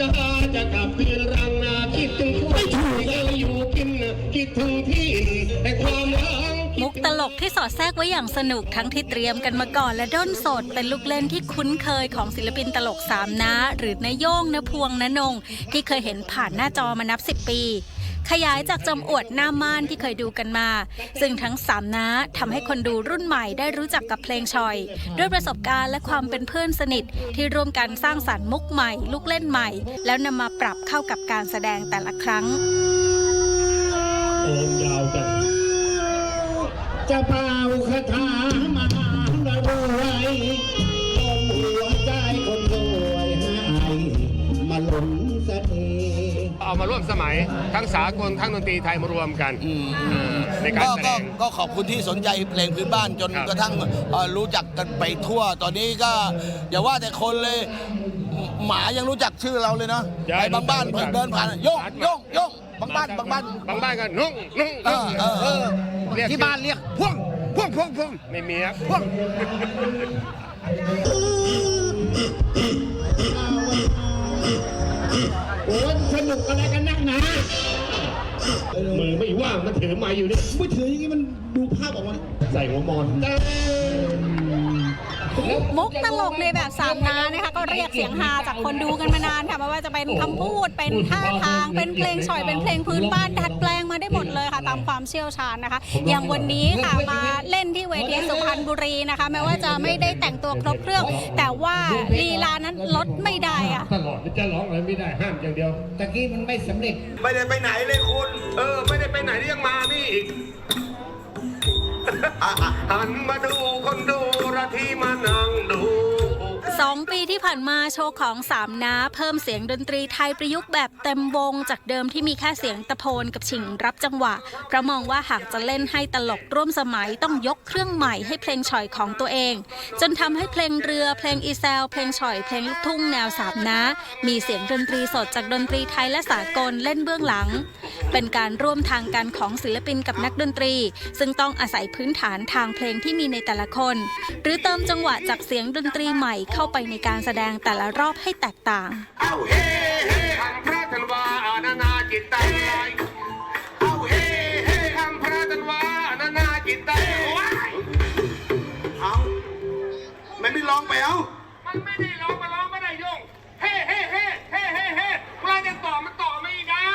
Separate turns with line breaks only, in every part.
กาจะกลับคืนรังนาคิดถึงไม่ถูกอยู่กินคิดถึงที่แต่ความรัก
มุกตลกที่สอดแทรกไว้อย่างสนุกทั้งที่เตรียมกันมาก่อนและด้นสดเป็นลูกเล่นที่คุ้นเคยของศิลปินตลกสามน้าหรือนายโย่งณพวงณนงที่เคยเห็นผ่านหน้าจอมานับ10 ปีขยายจากจำอวดหน้าม่านที่เคยดูกันมาซึ่งทั้งสามน้าทำให้คนดูรุ่นใหม่ได้รู้จักกับเพลงชอยด้วยประสบการณ์และความเป็นเพื่อนสนิทที่ร่วมกันสร้างสรรค์มุกใหม่ลูกเล่นใหม่แล้วนำมาปรับเข้ากับการแสดงแต่ละครั้ง
โอมยาวจังจะเป่าคาถามาระรวยจนหัวใจคนรวยให้มาหลงเสน่ห์เอามาร่วมสมัยทั้งสากลทั้งดนตรีไทยมารวมกันในการแสดง
ก็ขอบคุณที่สนใจเพลงพื้นบ้านจนกระทั่งรู้จักกันไปทั่วตอนนี้ก็อย่าว่าแต่คนเลยหมายังรู้จักชื่อเราเลยเนาะไปบางบ้านเดินผ่านโย่งโย่งโย่งบางบ้าน
กันนุ่ง
ที่บ้านเรียกพ่วง
ไม่มีครับ
พ่วง
โอ้ยสนุกอะไรกันนักหนามือไม่ว่างมันถือไม้อยู่นี่
ไม่ถืออย่างนี้มันดูภาพออกมา
ใส่หัวมอน
มุกตลกในแบบสามน้านะคะก็เรียกเสียงฮาจากคนดูกันมานานค่ะไม่ว่าจะเป็นคำพูดเป็นท่าทางเป็นเพลงฉ่อยเป็นเพลงพื้นบ้านดัดแปลงมาได้หมดเลยค่ะตามความเชี่ยวชาญนะคะอย่างวันนี้ค่ะมาเล่นที่เวทีสุพรรณบุรีนะคะแม้ว่าจะไม่ได้แต่งตัวครบเครื่องแต่ว่าลีลานั้นลดไม่ได้อะ
ตลอดจะร้องอะไรไม่ได้ห้ามอย่างเดียว
ตะกี้มันไม่สำเร็จ
ไม่ได้ไปไหนเลยคุณไม่ได้ไปไหนยังมานี่อีกหันมาดูคนดูระที่มานั่งดู
2 ปีที่ผ่านมาโชว์ของสามน้าเพิ่มเสียงดนตรีไทยประยุกต์แบบเต็มวงจากเดิมที่มีแค่เสียงตะโพนกับฉิงรับจังหวะเพราะมองว่าหากจะเล่นให้ตลกร่วมสมัยต้องยกเครื่องใหม่ให้เพลงฉ่อยของตัวเองจนทำให้เพลงเรือเพลงอีแซวเพลงฉ่อยเพลงลูกทุ่งแนวสามน้ามีเสียงดนตรีสดจากดนตรีไทยและสากลเล่นเบื้องหลังเป็นการร่วมทางกันของศิลปินกับนักดนตรีซึ่งต้องอาศัยพื้นฐานทางเพลงที่มีในแต่ละคนหรือเติมจังหวะจากเสียงดนตรีใหม่เข้าไปในการแสดงแต่ละรอบให้แตกต่าง
เอาเฮ้เฮ้คำพระธันวานานาจิตใจเอาเฮ้เฮ้คำพระธันวานานาจิตใจเอาไม่ร้องไปเอามันไม่ได้ร้องมาร้องไม่ได้โยงเฮ้เฮ้เฮ้เฮ้เฮ้เฮ้เวลาจะต่อมันต่อไม่ได้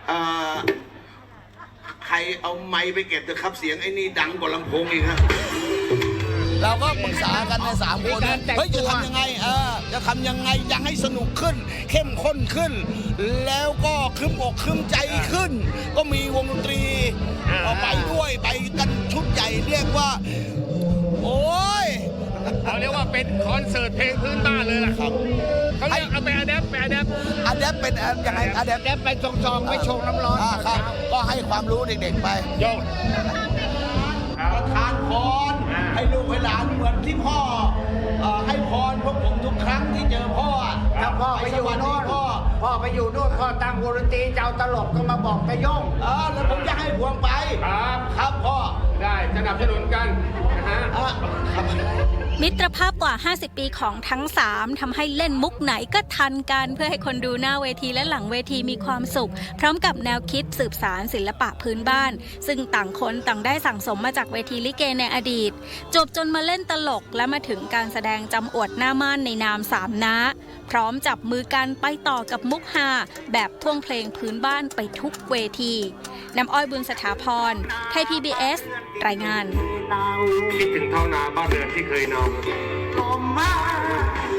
ใครเอาไม้ไปเก็บเถอะครับเสียงไอ้นี่ดังกว่าลำโพงอีกครับ
เราก็ปรึกษากันใน3 คนเฮ้ยจะทำยังไงจะทำยังไงยังให้สนุกขึ้นเข้มข้นขึ้นแล้วก็ครึ้มอกครึ้มใจขึ้นก็มีวงดนตรีไปด้วยไปกันชุดใหญ่เรียกว่าโอ้ย
เขาเรียกว่าเป็นคอนเสิร์ตเพลงพื้นบ้านเลยล่ะครับเขาเรียกเอาไปอะแดปเป็น
ยังไงอะแดป
ไปซองๆไม่ชงน้ำร้อน
ครับก็ให้ความรู้เด็กๆไป
โยก
ประทานพรให้ลูกให้หลานเหมือนที่พ่อให้พรพวกผมทุกครั้งที่เจอพ่อ
ถ้าพ่อไปอยู่โน่นพ่อไปอยู่โน่นพ่อตั้งวงดนตรีเจ้าตลกก็มาบอกตะย่ง
แล้วผมจะให้พวงไปครับพ่อ
ได้สนับสนุนกันนะฮะ
มิตรภาพกว่า 50 ปีของทั้ง3ทำให้เล่นมุกไหนก็ทันกันเพื่อให้คนดูหน้าเวทีและหลังเวทีมีความสุขพร้อมกับแนวคิดสืบสานศิลปะพื้นบ้านซึ่งต่างคนต่างได้สั่งสมมาจากเวทีลิเกในอดีตจบจนมาเล่นตลกและมาถึงการแสดงจำอวดหน้าม่านในนามสามน้าพร้อมจับมือกันไปต่อกับมุกฮาแบบท่วงเพลงพื้นบ้านไปทุกเวทีน้ำอ้อยบุญสถาพรไทย PBS รายงาน
คิดถึงเท่านาบ้านเรือนที่เคยนอนลมมา